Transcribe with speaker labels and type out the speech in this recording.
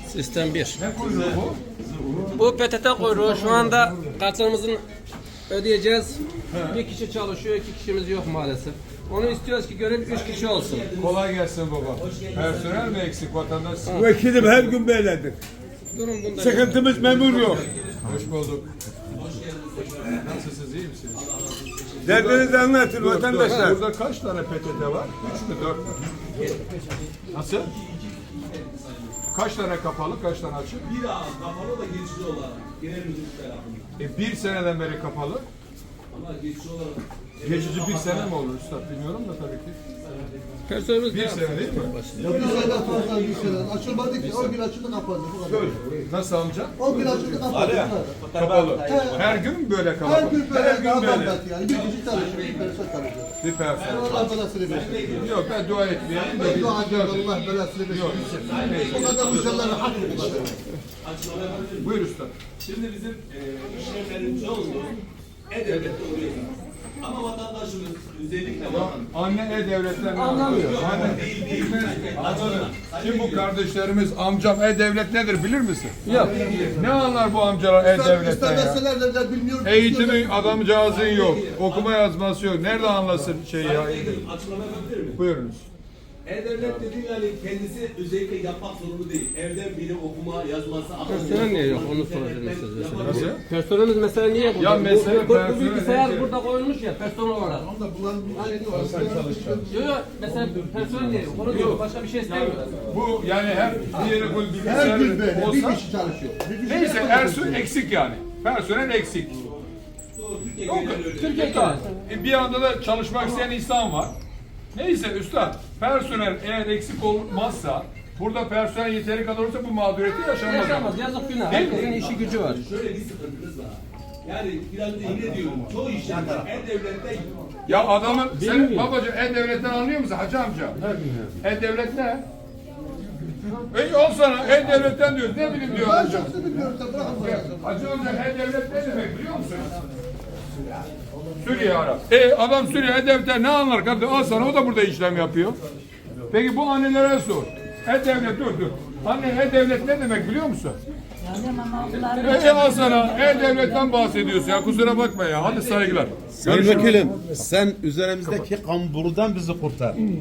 Speaker 1: Sistem 1.
Speaker 2: Ne kuyruğu bu?
Speaker 1: Bu PTT kuyruğu. Şu anda kartlarımızın ödeyeceğiz. Bir kişi çalışıyor, 2 kişimiz yok maalesef. Onu istiyoruz ki görev 3 kişi olsun.
Speaker 2: Kolay gelsin baba. Personel mi eksik vatandaş?
Speaker 3: Vekilim her gün böyledir.
Speaker 1: Durun bunda.
Speaker 3: Sıkıntımız memur yok.
Speaker 2: Hoş bulduk. Nasılsınız, iyi misiniz?
Speaker 3: Derdinizi anlatın
Speaker 2: Dur,
Speaker 3: vatandaşlar.
Speaker 2: Burada kaç tane PTT var? 3 mü 4 mü? Nasıl? Kaç tane kapalı, kaç tane açık?
Speaker 4: Bir ağız kapalı da geçici olarak genel müdürlük tarafından.
Speaker 2: Bir seneden beri kapalı.
Speaker 4: Ama geçici olarak
Speaker 2: Geçici bir sene mi olur üstad bilmiyorum da tabii ki.
Speaker 1: Personelimiz
Speaker 2: Bir sene değil mi?
Speaker 5: Bir sene fazla bir sene. Açılmadı ki. O gün açıldı kapandı. Bu kadar.
Speaker 2: Nasıl amca?
Speaker 5: O gün açıldı kapandı. Bu kadar.
Speaker 2: Kapalı. Her gün mü böyle
Speaker 5: Her
Speaker 2: kalabalık?
Speaker 5: gün böyle
Speaker 2: Her gün
Speaker 5: adam
Speaker 2: böyle.
Speaker 5: belki yani. Bir kişi çalışıyor. Bir person çalışıyor.
Speaker 2: Bir personel.
Speaker 5: Allah belasını versin.
Speaker 2: Yok ben dua etmeyeyim de
Speaker 5: Ben
Speaker 2: bir
Speaker 5: dua ediyorum Allah belasını versin. O kadar müşterilerin hakkı bu kadar.
Speaker 4: açıklama yapabilir miyim?
Speaker 2: Buyur usta.
Speaker 4: Şimdi bizim işlemlerin çoğu E-Devlet'te oluyor zaten. Ama vatandaşımız özellikle
Speaker 2: Anne E-Devlet'ten anlamıyor. Anne
Speaker 4: değil.
Speaker 2: Anladım. Şimdi bu kardeşlerimiz amcam E-Devlet nedir bilir misin?
Speaker 1: Yok.
Speaker 2: Ne anlar bu amcalar E-Devlet'ten ya?
Speaker 5: İstemeseler de bilmiyorum.
Speaker 2: Eğitimi adamcağızın yok. Okuma yazması yok. Nerede anlasın şeyi ya?
Speaker 4: açıklama yapabilir miyim?
Speaker 2: Buyurunuz.
Speaker 4: E-Devlet dediğin yani kendisi özellikle yapmak zorunda değil. Evden biri okuma, yazması,
Speaker 1: Personel niye yok? Onu soracağım size.
Speaker 2: Nasıl?
Speaker 1: Personelimiz mesela niye burada?
Speaker 2: Ya mesela
Speaker 1: bu
Speaker 2: personel
Speaker 1: bilgisayar
Speaker 2: değil.
Speaker 1: burada koyulmuş ya personel olarak.
Speaker 5: Onda bunların bir şeyi var.
Speaker 1: Yok mesela personel niye yok? Onu diyor. Başka bir şey istemiyor.
Speaker 2: Bu yani her bir yere koy
Speaker 5: Her gün
Speaker 2: bilgisayar
Speaker 5: böyle. Bir
Speaker 2: olsa
Speaker 5: kişi çalışıyor. Bir kişi
Speaker 2: neyse
Speaker 5: yapamıyor.
Speaker 2: Ersun eksik yani. Personel eksik.
Speaker 4: Türkiye
Speaker 2: Yok,
Speaker 4: genel öyle.
Speaker 2: Türkiye bir anda da çalışmak isteyen insan var. Neyse üstad, personel eğer eksik olmazsa, burada personel yeteri kadar olursa bu mağduriyeti yaşanmaz.
Speaker 1: Yaşamaz. Yazık günah.
Speaker 2: Değil mi?
Speaker 1: Herkesin işi gücü var.
Speaker 4: Şöyle bir sıkıntınız var. Yani biraz da yine diyorum. Çoğu işlemler E-Devlet'te
Speaker 2: Ya adamın, sen
Speaker 1: Bilmiyorum.
Speaker 2: babacığım E-Devlet'ten anlıyor musun hacı amca? E-Devlet ne? Al sana E-Devlet'ten diyor, ne bileyim diyor
Speaker 5: Ben
Speaker 2: hacı.
Speaker 5: şahsı bilmiyorum. Sen bırakın bana.
Speaker 2: Hacı amca E-Devlet ne demek biliyor musun? Suriye Arap. Adam Suriye E-Devlet'ten ne anlar kardeşim? Al sana o da burada işlem yapıyor. Peki bu annelere sor. E-Devlet dur. Anne E-Devlet ne demek biliyor musun? Al sana E-Devlet'ten bahsediyorsun ya kusura bakma ya. Hadi saygılar.
Speaker 6: Sayın Vekilim, sen üzerimizdeki kamburdan bizi kurtar.